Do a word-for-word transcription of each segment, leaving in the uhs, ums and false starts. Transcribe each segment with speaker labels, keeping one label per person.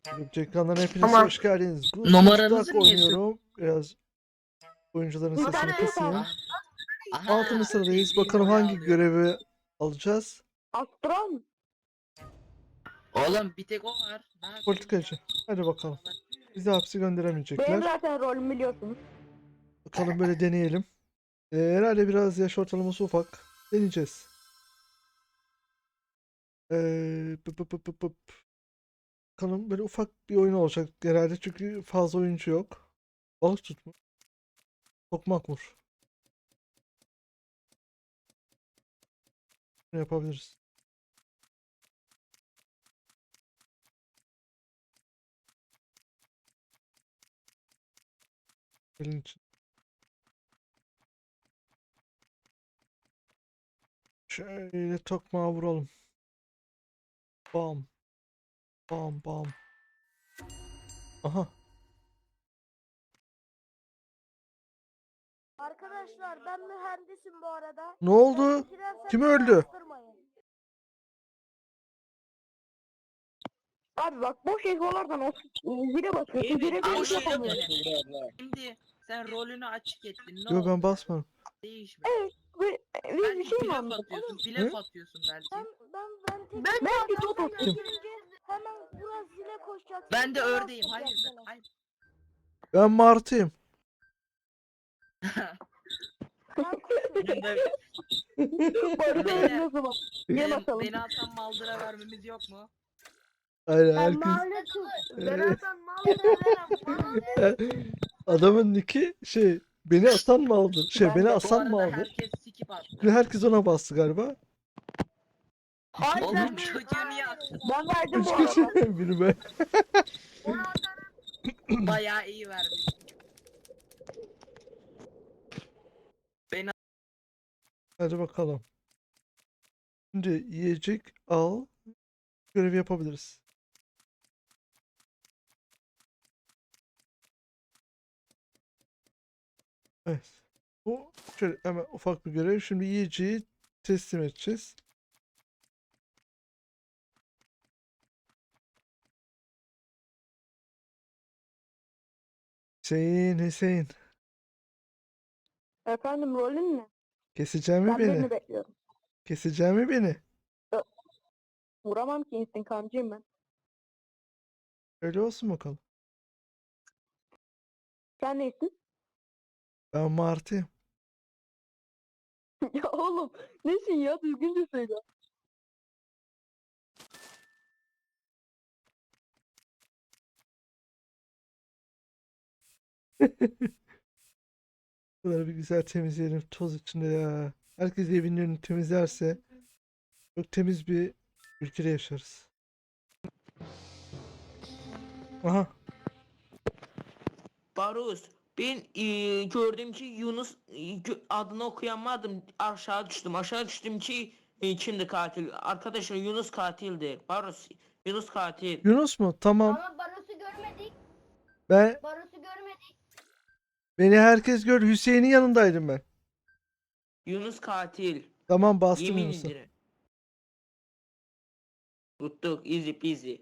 Speaker 1: YouTube ekranlarına hepiniz
Speaker 2: Ama
Speaker 1: hoş geldiniz.
Speaker 2: numaranızı
Speaker 1: Gustav
Speaker 2: niye
Speaker 1: oynuyorum. Biraz oyuncuların
Speaker 2: Bir
Speaker 1: sesini
Speaker 2: tane
Speaker 1: kısayım.
Speaker 2: Aha. Aha,
Speaker 1: Altıncı sıradayız.
Speaker 2: bildiğin
Speaker 1: Bakalım
Speaker 2: oraya
Speaker 1: hangi
Speaker 2: alıyor.
Speaker 1: görevi alacağız.
Speaker 3: Astral mı?
Speaker 2: Oğlum bir tek o var. Ne yapayım?
Speaker 1: Politikacı. Hadi bakalım. Bizi hapse
Speaker 3: Benim
Speaker 1: gönderemeyecekler.
Speaker 3: zaten rolümü biliyorsunuz.
Speaker 1: Bakalım böyle deneyelim. Ee, herhalde biraz yaş ortalaması ufak. Deneyeceğiz. Ee, pıp pıp pıp pıp pıp. Bakalım böyle ufak bir oyun olacak herhalde çünkü fazla oyuncu yok. Balık tutma. Tokmak vur. Ne yapabiliriz? Elin için. Şöyle tokmağı vuralım. Bam. Bam bam. Aha.
Speaker 4: Arkadaşlar ben mühendisim bu arada.
Speaker 1: Ne oldu?
Speaker 4: Bitirersem
Speaker 1: Kim
Speaker 4: beni
Speaker 1: öldü?
Speaker 4: astırmayın.
Speaker 3: Abi bak boş egolardan o zile basıyorsun. Zile
Speaker 2: Ama
Speaker 3: bir şey
Speaker 2: şöyle
Speaker 3: yapamıyorsun.
Speaker 2: dene. Şimdi sen rolünü açık ettin. Ne
Speaker 1: Yo
Speaker 2: oldu?
Speaker 1: ben basmadım.
Speaker 2: Değişme.
Speaker 3: Ve biz bir
Speaker 2: Belki
Speaker 3: şey mi
Speaker 2: blöf
Speaker 3: anladık?
Speaker 2: atıyorsun.
Speaker 1: Hı?
Speaker 2: Blöf atıyorsun belki.
Speaker 4: Ben ben ben tek
Speaker 3: Ben belki
Speaker 4: Adam
Speaker 3: Toto.
Speaker 4: sen bitirince hemen biraz zile koşacaksın.
Speaker 2: Ben de
Speaker 4: beni
Speaker 2: ördeğim. Hayır.
Speaker 4: astıracaksın.
Speaker 2: Hayır.
Speaker 1: Ben martıyım.
Speaker 4: Ben kuşum.
Speaker 2: Bunda
Speaker 3: Barış'a
Speaker 2: Beyler,
Speaker 3: öldü o zaman. Gel
Speaker 2: beni,
Speaker 3: bakalım.
Speaker 2: beni atan maldıra vermemiz yok mu?
Speaker 1: Aynen
Speaker 4: Ben
Speaker 1: herkes.
Speaker 4: mahalle kız. Ben atan mal verem.
Speaker 1: Adamın nicki şey beni atan mı aldı? Şey
Speaker 3: Ben
Speaker 1: beni
Speaker 3: de.
Speaker 2: Bu
Speaker 1: asan mı
Speaker 2: arada
Speaker 1: aldı?
Speaker 2: herkes skip attı.
Speaker 1: Şimdi herkes ona bastı galiba.
Speaker 4: Hayır
Speaker 2: Oğlum
Speaker 4: ben
Speaker 2: çocuğu niye attın?
Speaker 3: Ben verdim
Speaker 1: Üç
Speaker 3: bu
Speaker 1: kişi
Speaker 3: arada.
Speaker 1: biri ben.
Speaker 4: Onu atan
Speaker 2: Bayağı iyi vermiş. Beni
Speaker 1: Hadi bakalım. Şimdi yiyecek al. Görevi yapabiliriz. Evet. Bu şöyle hemen ufak bir görev. Şimdi yiyeceği teslim edeceğiz. Hüseyin, Hüseyin.
Speaker 3: Efendim rolün ne?
Speaker 1: Keseceğim mi
Speaker 3: Ben
Speaker 1: beni?
Speaker 3: birini bekliyorum.
Speaker 1: Keseceğim mi beni?
Speaker 3: Vuramam ki instikancıyım ben.
Speaker 1: Öyle olsun bakalım.
Speaker 3: Sen neysin?
Speaker 1: Ben martıyım.
Speaker 3: Ya oğlum nesin ya düzgünce söyle.
Speaker 1: Bunları bir güzel temizleyelim. Toz içinde ya. Herkes evinin önünü temizlerse çok temiz bir ülkede yaşarız. Aha.
Speaker 5: Barus, ben eee, gördüm ki Yunus eee, gö- adını okuyamadım. Aşağı düştüm. Aşağı düştüm ki eee, kimdi katil? Arkadaşlar Yunus katildi. Barus, Yunus katil.
Speaker 1: Yunus mu? Tamam.
Speaker 4: Ama Baros'u görmedik.
Speaker 1: Ben
Speaker 4: Baros'u görmedik.
Speaker 1: beni herkes gördü. Hüseyin'in yanındaydım ben.
Speaker 5: Yunus katil.
Speaker 1: Tamam bastım
Speaker 5: Yemin
Speaker 1: Yunus'a.
Speaker 5: ederim. Tuttuk. Easy peasy.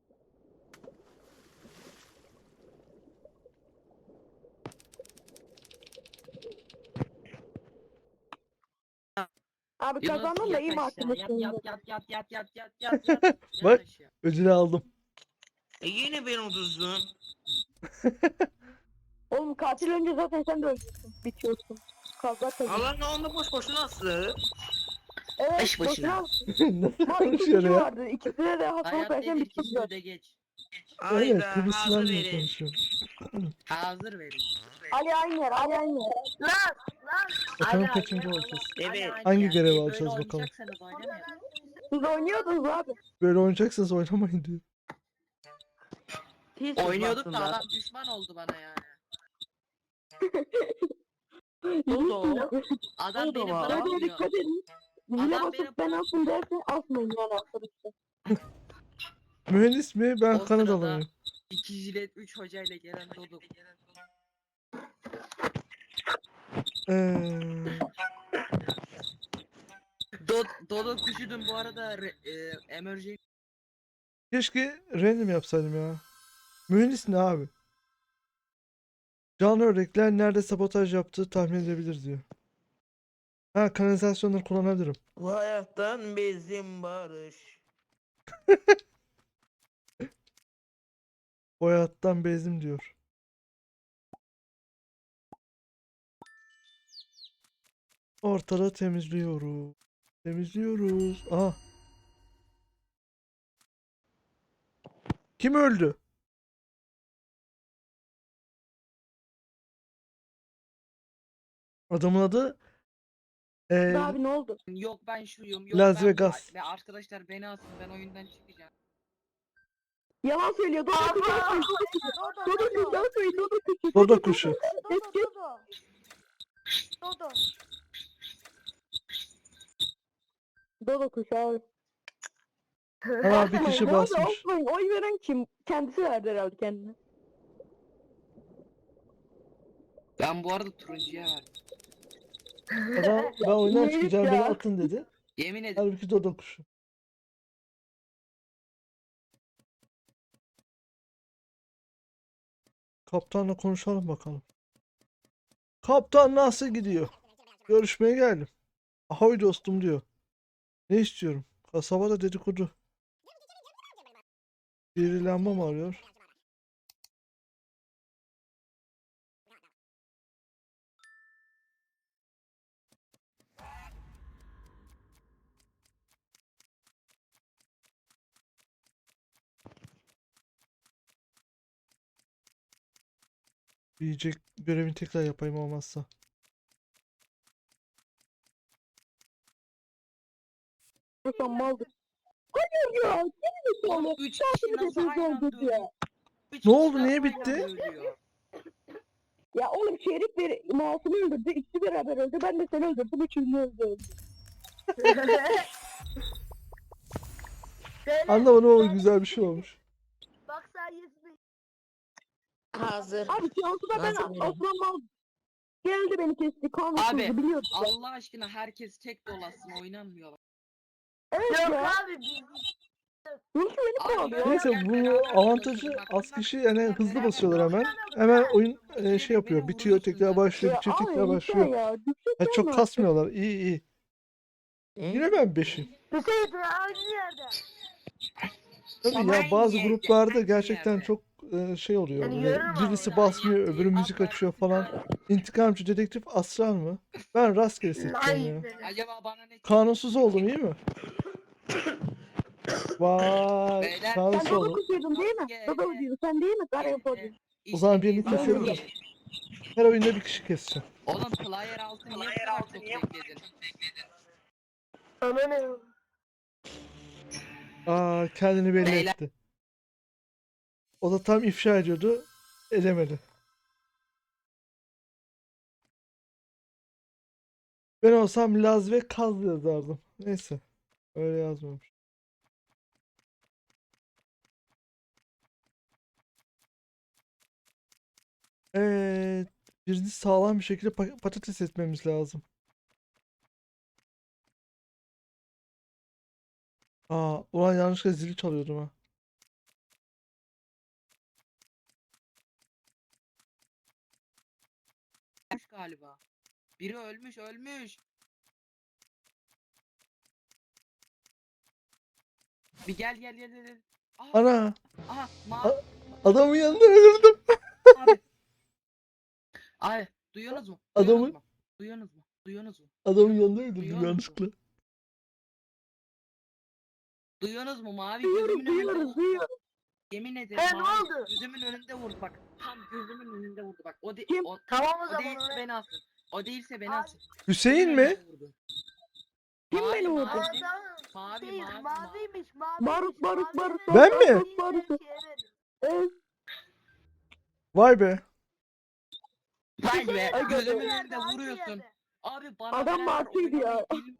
Speaker 3: Abi
Speaker 2: Yunus
Speaker 3: kazandım da
Speaker 2: yat
Speaker 3: iyi
Speaker 2: aşağı,
Speaker 3: mahkumuşsun.
Speaker 2: yat yat yat yat yat yat yat yat yat
Speaker 1: Bak.
Speaker 2: aşağı.
Speaker 1: Ödülü aldım.
Speaker 5: E yine ben uduzdum.
Speaker 3: Oğlum katil önce zaten sen de öleceksin. Bitiyorsun. Kavga tabii.
Speaker 5: Allah ne onda boş boşuna aslı.
Speaker 3: Evet
Speaker 2: Beş başına.
Speaker 3: boşuna.
Speaker 1: Nasıl
Speaker 3: Var iki
Speaker 1: konuşuyor
Speaker 3: kişi
Speaker 1: ya?
Speaker 3: vardı. İkisine de hastalık
Speaker 2: Hayat
Speaker 3: versen
Speaker 2: nedir
Speaker 3: bitti
Speaker 2: ki
Speaker 3: zaten.
Speaker 2: de geç.
Speaker 1: Aynen
Speaker 5: Ayda
Speaker 1: Kıbrıs
Speaker 5: hazır
Speaker 1: Sınav'la
Speaker 5: verin.
Speaker 1: konuşuyor.
Speaker 2: Hazır verin.
Speaker 3: Ali aynı yer, Ali aynı yer.
Speaker 4: Lan lan.
Speaker 1: Bakalım
Speaker 2: Hala
Speaker 1: kaçıncı
Speaker 2: aynı,
Speaker 1: olacağız.
Speaker 2: hala
Speaker 5: Evet.
Speaker 2: aynı
Speaker 1: Hangi
Speaker 2: yani.
Speaker 1: görevi
Speaker 2: Böyle
Speaker 1: alacağız bakalım.
Speaker 2: oynayacaksanız oynamayın.
Speaker 3: Siz oynuyordunuz abi.
Speaker 1: Böyle oynayacaksanız oynamayın diyor.
Speaker 5: Tez
Speaker 2: Oynuyorduk da
Speaker 5: basınlar.
Speaker 2: adam düşman oldu bana yani.
Speaker 5: O da o.
Speaker 2: Adam
Speaker 5: O da
Speaker 2: beni
Speaker 5: var.
Speaker 3: Hadi
Speaker 2: bırakmıyor.
Speaker 3: dikkat edin. Zile
Speaker 2: Adam
Speaker 3: basıp
Speaker 2: beni
Speaker 3: ben asın derse asmayın yani arkadaşlar.
Speaker 1: Mühendis mi? Ben
Speaker 2: O
Speaker 1: Kanadalıyım.
Speaker 2: sırada iki jilet üç hocayla gelen Doduk.
Speaker 1: Ee,
Speaker 2: Dod Doduk üşüdüm bu arada re- e, emergency
Speaker 1: keşke random yapsaydım ya. Mühendis ne abi? Canlı örnekler nerede sabotaj yaptığı tahmin edilebilir diyor. Ha, kanalizasyonları kullanabilirim.
Speaker 5: Bu hayattan bezdim Barış.
Speaker 1: O hayattan bezdim diyor. Ortalığı temizliyoruz. Temizliyoruz. Aha. Kim öldü? Adamın adı eee,
Speaker 3: Abi ne oldu?
Speaker 2: Yok ben şuyum. Yok
Speaker 1: Las
Speaker 2: ben
Speaker 1: Vegas.
Speaker 2: bu. Ve arkadaşlar beni alsın. Ben oyundan çıkacağım.
Speaker 3: Yalan söylüyor. Dodo
Speaker 4: Abi,
Speaker 3: kuş.
Speaker 4: Dodo,
Speaker 3: Dodo kuş.
Speaker 4: Dodo.
Speaker 3: Dodo kuş. Dodo kuş.
Speaker 1: Dodo kuşu.
Speaker 4: Dodo, Dodo. Dodo.
Speaker 3: Dodo kuş abi.
Speaker 1: Ana bir kişi
Speaker 3: Bu arada
Speaker 1: basmış.
Speaker 3: Osman oy veren kim? Kendisi verdi herhalde kendine.
Speaker 2: Ben bu arada turuncuya verdim.
Speaker 1: Adam ben oyundan
Speaker 3: Neymiş
Speaker 1: çıkacağım beni
Speaker 3: ya?
Speaker 1: atın dedi.
Speaker 2: Yemin ederim.
Speaker 1: Halbuki Dodo kuşu. Kaptanla konuşalım bakalım. Kaptan nasıl gidiyor? Görüşmeye geldim. Ahoy dostum diyor. Ne istiyorum? Kasabada dedikodu. Biri lamba mı arıyor? Yiyecek görevini tekrar yapayım olmazsa.
Speaker 3: Osman maldır. Hayır ya. Gene mi
Speaker 2: Oğlum
Speaker 3: sonra?
Speaker 2: üç kişi nasıl aynı anda
Speaker 3: öldürdü
Speaker 2: ölüyor?
Speaker 3: ya.
Speaker 2: Üç
Speaker 1: Ne
Speaker 2: kişi
Speaker 1: oldu,
Speaker 2: nasıl
Speaker 1: niye
Speaker 2: aynı
Speaker 1: bitti?
Speaker 2: anda ölüyor?
Speaker 3: Ya oğlum Şerif bir Masum'u öldürdü. İkisi beraber öldü. Ben de seni öldürdüm. Üçüncü öldü.
Speaker 4: Beyler,
Speaker 1: Anlamadım ama
Speaker 4: beyler,
Speaker 1: güzel bir şey olmuş.
Speaker 4: Bak sayesinde.
Speaker 5: Hazır.
Speaker 3: Abi Cansu'da ben
Speaker 5: Nasıl biri?
Speaker 3: Osman mal geldi beni kesti. Kanunsuzdu
Speaker 2: Abi,
Speaker 3: biliyorsun.
Speaker 2: Allah aşkına herkes tek dolaşsın oynanmıyor. bak.
Speaker 3: Evet
Speaker 4: Yok
Speaker 3: ya.
Speaker 4: abi biz
Speaker 3: Çünkü beni
Speaker 2: Abi,
Speaker 3: kovalıyor.
Speaker 1: Neyse
Speaker 2: Gel
Speaker 1: bu
Speaker 2: beraber
Speaker 1: avantajı
Speaker 2: dolaşalım. Bak,
Speaker 1: az
Speaker 2: bunlar-
Speaker 1: kişi yani
Speaker 2: bunlar
Speaker 1: hızlı
Speaker 2: beraber
Speaker 1: basıyorlar hemen.
Speaker 2: dolaşalım.
Speaker 1: Hemen oyun e,
Speaker 2: Beni-
Speaker 1: şey yapıyor.
Speaker 2: beni
Speaker 1: Bitiyor tekrar
Speaker 2: vuruyorsun
Speaker 1: başlıyor.
Speaker 3: Ya
Speaker 1: Bitiyor
Speaker 3: abi
Speaker 1: tekrar
Speaker 3: yeter
Speaker 1: başlıyor.
Speaker 3: ya. Düşecek
Speaker 1: Ha, çok
Speaker 3: mi?
Speaker 1: kasmıyorlar. İyi iyi. Yine ben beşim.
Speaker 4: Hüseyin aynı yerde.
Speaker 1: Tabii
Speaker 2: Ama
Speaker 1: ya
Speaker 2: aynı
Speaker 1: bazı
Speaker 2: yerde,
Speaker 1: gruplarda
Speaker 2: aynı
Speaker 1: gerçekten
Speaker 2: yerde.
Speaker 1: çok e, şey oluyor.
Speaker 4: Yani
Speaker 1: Böyle
Speaker 4: görürüm ama
Speaker 1: birisi
Speaker 4: öyle
Speaker 1: basmıyor, öbürü
Speaker 2: Atlar,
Speaker 1: müzik açıyor falan. İntikamcı dedektif Aslan mı? Ben rastgele seçeceğim ya.
Speaker 4: Nice.
Speaker 2: Acaba bana ne
Speaker 1: Kanunsuz oldum iyi mi? Vay,
Speaker 2: Beyler,
Speaker 3: Sen
Speaker 1: kanunsuz
Speaker 3: Dodo
Speaker 1: oldum.
Speaker 3: kuşuydun değil mi?
Speaker 2: Maske.
Speaker 3: Dodo diyorsun. Sen değil mi? Kara yapıyordun.
Speaker 1: O zaman birini
Speaker 2: İşte biz-
Speaker 1: keselim mi? Her oyunda bir kişi keseceğim.
Speaker 2: Oğlum player altı niye bu kadar çok bekledin?
Speaker 4: Ana ne?
Speaker 1: Aa, kendini belli
Speaker 2: Beyler.
Speaker 1: etti. O da tam ifşa ediyordu. Edemedi. Ben olsam Laz ve Kaz yazardım. Neyse. Öyle yazmamış. Evet. Birini sağlam bir şekilde pa- patates etmemiz lazım. Aa, ulan yanlışlıkla zili çalıyordum ha.
Speaker 2: Ölmüş galiba. Biri ölmüş ölmüş. Bir gel gel gel gel. Aha,
Speaker 1: Ana,
Speaker 2: aha mavi
Speaker 1: adamın yanında ölürdüm.
Speaker 2: abi. Abi duyuyorsunuz mu?
Speaker 1: Adamı-
Speaker 2: Duyuyorsunuz mu? Duyuyorsunuz mu? Duyuyorsunuz mu?
Speaker 1: Adamın yanında öldürdüm
Speaker 2: Duyuyor musun?
Speaker 1: yanlışlıkla.
Speaker 2: Duyuyorsunuz mu? Mavi
Speaker 3: Duyuyoruz
Speaker 2: gözümün önünde
Speaker 3: duyuyoruz
Speaker 2: vurdu.
Speaker 3: duyuyoruz.
Speaker 2: Yemin ederim
Speaker 4: He, ne
Speaker 2: mavi
Speaker 4: oldu?
Speaker 2: gözümün önünde vurdu bak. Tam gözümün önünde vurdu bak. O, de
Speaker 3: Kim?
Speaker 2: o,
Speaker 4: Tamam o
Speaker 2: o
Speaker 4: zaman.
Speaker 2: değilse
Speaker 4: ona-
Speaker 2: beni alsın. O değilse beni
Speaker 4: Abi,
Speaker 2: alsın.
Speaker 1: Hüseyin
Speaker 2: Gözümün
Speaker 1: mi?
Speaker 2: önünde vurdu.
Speaker 3: Kim
Speaker 2: Mavi,
Speaker 3: beni vurdu?
Speaker 2: mavi.
Speaker 4: Aa, tamam.
Speaker 2: Mavi,
Speaker 4: Hüseyin,
Speaker 2: mavi,
Speaker 4: maviymiş maviymiş.
Speaker 3: Barut barut
Speaker 4: mavi
Speaker 3: barut.
Speaker 4: verin,
Speaker 1: Ben mi?
Speaker 4: mavi
Speaker 3: Barut,
Speaker 4: verin,
Speaker 3: barut.
Speaker 4: şeye verin.
Speaker 3: Evet.
Speaker 1: Vay be.
Speaker 2: Vay be
Speaker 3: Ay,
Speaker 2: gözümün
Speaker 4: Aynı
Speaker 2: önünde
Speaker 4: yerde, aynı
Speaker 2: vuruyorsun.
Speaker 4: yerde.
Speaker 2: Abi bana
Speaker 3: Adam
Speaker 2: beraber
Speaker 3: martıydı ya.
Speaker 2: oynamayı bil-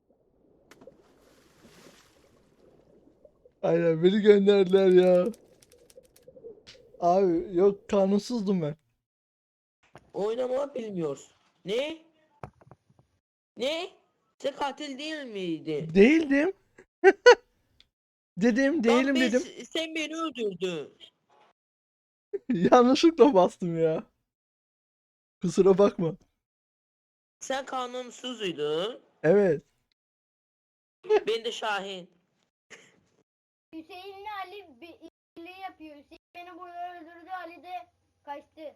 Speaker 1: Aynen beni gönderdiler ya. Abi yok kanunsuzdum ben.
Speaker 5: Oynama bilmiyoruz. Ne? Ne? Sen katil değil miydi?
Speaker 1: Değildim. Dedim
Speaker 5: Lan
Speaker 1: değilim
Speaker 5: biz-
Speaker 1: dedim.
Speaker 5: Sen beni öldürdün.
Speaker 1: Yanlışlıkla bastım ya. Kusura bakma.
Speaker 5: Sen kanunsuzuydun.
Speaker 1: Evet.
Speaker 5: Ben de Şahin.
Speaker 4: Hüseyin'le Ali bir birliği yapıyor. Hüseyin beni burada öldürdü. Ali de kaçtı.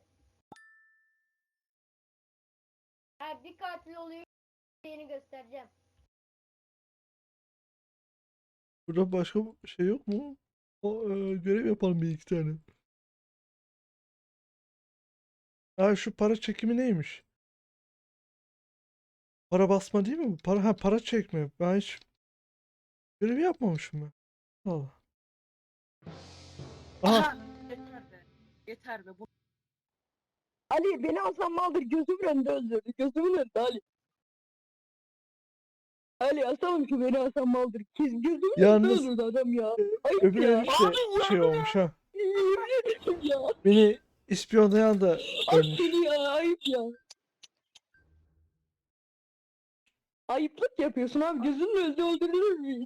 Speaker 4: Ha, bir katil oluyor. Hüseyin'i göstereceğim.
Speaker 1: Burada başka bir şey yok mu? O e, görev yapalım bir iki tane. Ha şu para çekimi neymiş? Para basma değil mi bu? Para ha para çekme. Ben hiç görev yapmamışım ben. Allah. Aha
Speaker 2: Aha. Yeter be. Yeter be. Bu
Speaker 3: Ali beni Hasan Maldır gözümün önünde öldürdü. Gözümün önünde Ali. Ali asalım ki beni Hasan Maldır. Kez gözümün
Speaker 1: Yalnız-
Speaker 3: önünde öldürdü adam ya. Ayıp
Speaker 1: öbür
Speaker 3: ya.
Speaker 1: herif de şey olmuş ha.
Speaker 3: Yemin ederim ya.
Speaker 1: Beni ispiyonlayan da
Speaker 3: Ay
Speaker 1: ölmüş.
Speaker 3: seni ya ayıp ya. Ayıplık yapıyorsun abi. Gözünün önünde öldürülür mü?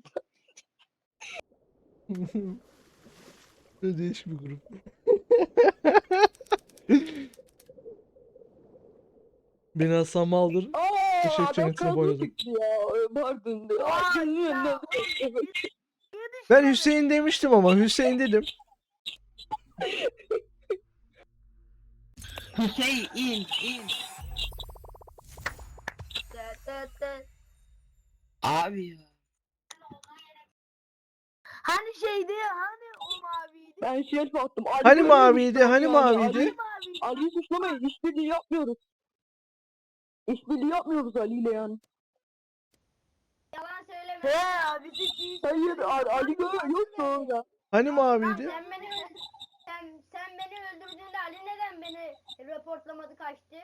Speaker 1: Böyle değişik bir grup. Beni Hasan Maldır
Speaker 3: Aa,
Speaker 1: Teşekkür
Speaker 3: adam
Speaker 1: cennetine
Speaker 3: kadro
Speaker 1: boyladım.
Speaker 3: çıktı ya. Pardon. Ay gözümün önünde öldürdü.
Speaker 1: Ben Hüseyin demiştim ama Hüseyin dedim.
Speaker 2: Hüseyin in in.
Speaker 4: Tıt tıt tıt.
Speaker 2: Abi ya.
Speaker 4: Hani şeydi hani o maviydi.
Speaker 3: Ben şerif attım. Ali
Speaker 1: Hani
Speaker 3: böyle
Speaker 1: maviydi,
Speaker 3: bir
Speaker 1: hani
Speaker 3: yani.
Speaker 1: maviydi?
Speaker 3: Ali,
Speaker 4: Maviydi.
Speaker 3: Ali'yi suçlamayın. İşbirliği yapmıyoruz. İşbirliği yapmıyoruz Ali ile yani.
Speaker 4: Yalan söyleme. He abi ciddi.
Speaker 3: Hayır Ali, Ali böyle yoktu orada.
Speaker 1: Hani maviydi?
Speaker 4: Sen beni sen, sen beni öldürdüğünde Ali neden beni raportlamadı kaçtı?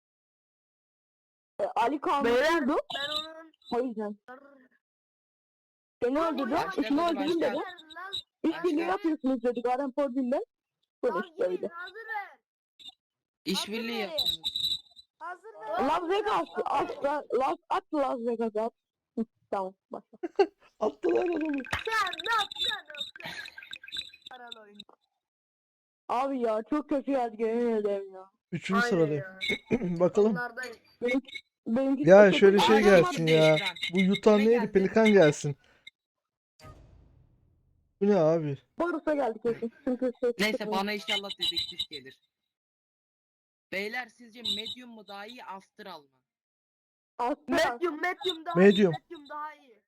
Speaker 3: E, Ali kanunsuzdu.
Speaker 4: Ben onun
Speaker 3: O yüzden. Seni öldürdü.
Speaker 2: Başka
Speaker 3: İşini
Speaker 2: başka.
Speaker 3: öldürün dedi. İşbirliği
Speaker 2: Başka.
Speaker 3: yapıyorsunuz dedik. Arem Fordin'den. Böyle işte öyle.
Speaker 4: Hazır ver.
Speaker 2: İşbirliği
Speaker 4: Hazır
Speaker 2: yapıyoruz.
Speaker 4: Hazır ver.
Speaker 3: Las Vegas. At, Las, at Las Vegas'a at. Hı, tamam başla.
Speaker 1: Attılar adamı.
Speaker 4: Sen ne yapacaksın? Paralı oyun.
Speaker 3: Abi ya çok kötü geldi yemin ederim ya.
Speaker 1: Üçüncü sıradayım. Bakalım.
Speaker 4: Onlardayım.
Speaker 3: Benimki, benimki
Speaker 1: Ya
Speaker 3: çok kötü.
Speaker 1: şöyle şey
Speaker 2: Ay,
Speaker 1: gelsin
Speaker 2: olmadı
Speaker 1: ya.
Speaker 2: ekran.
Speaker 1: Bu yutan
Speaker 2: Ne
Speaker 1: neydi?
Speaker 2: geldi?
Speaker 1: Pelikan gelsin. Bu ne abi?
Speaker 3: Barus'a geldik kesin. Çünkü şey
Speaker 2: Neyse bana inşallah dedektif gelir. Beyler sizce medium mu daha iyi astral mı?
Speaker 3: Aslında
Speaker 4: Medium, medium daha
Speaker 1: Medium.
Speaker 4: iyi. Medium daha iyi.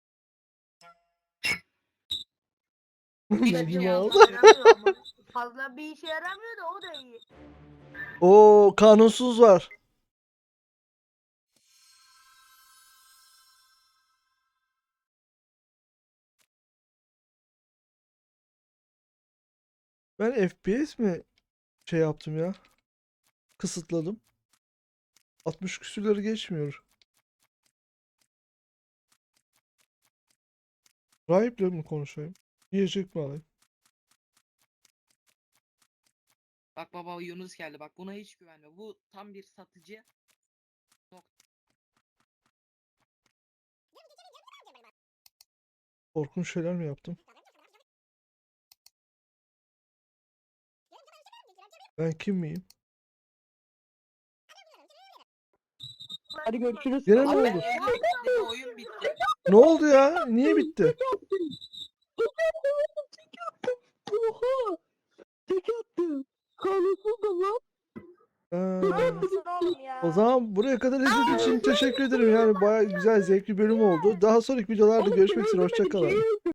Speaker 2: Hiçbir
Speaker 1: Medium
Speaker 2: şey
Speaker 1: aldı.
Speaker 2: anlamıyorum.
Speaker 4: Yaramıyor ama. Fazla bir işe yaramıyor da o da iyi.
Speaker 1: Oo kanunsuz var. Ben F P S mi şey yaptım ya? Kısıtladım. altmış küsürleri geçmiyor. Rahiple mi konuşayım? Yiyecek mi alayım?
Speaker 2: Bak baba Yunus geldi bak buna hiç güvenme. Bu tam bir satıcı.
Speaker 1: Korkunç şeyler mi yaptım? Ben kim miyim?
Speaker 3: hadi görüşürüz.
Speaker 1: Gene ne
Speaker 2: Abi
Speaker 1: oldu?
Speaker 2: oyun bitti, oyun bitti.
Speaker 1: Ne oldu ya? Niye bitti?
Speaker 3: Oha! Tek attı. Kanunsuz da lan.
Speaker 1: Ha.
Speaker 4: Haklısın oğlum ya.
Speaker 1: O zaman buraya kadar izlediğiniz için teşekkür ederim. Yani bayağı güzel, zevkli bölüm oldu. Daha sonraki videolarda
Speaker 3: Oğlum,
Speaker 1: görüşmek üzere.
Speaker 3: öldürmedik,
Speaker 1: Hoşça kalın.
Speaker 3: şeyi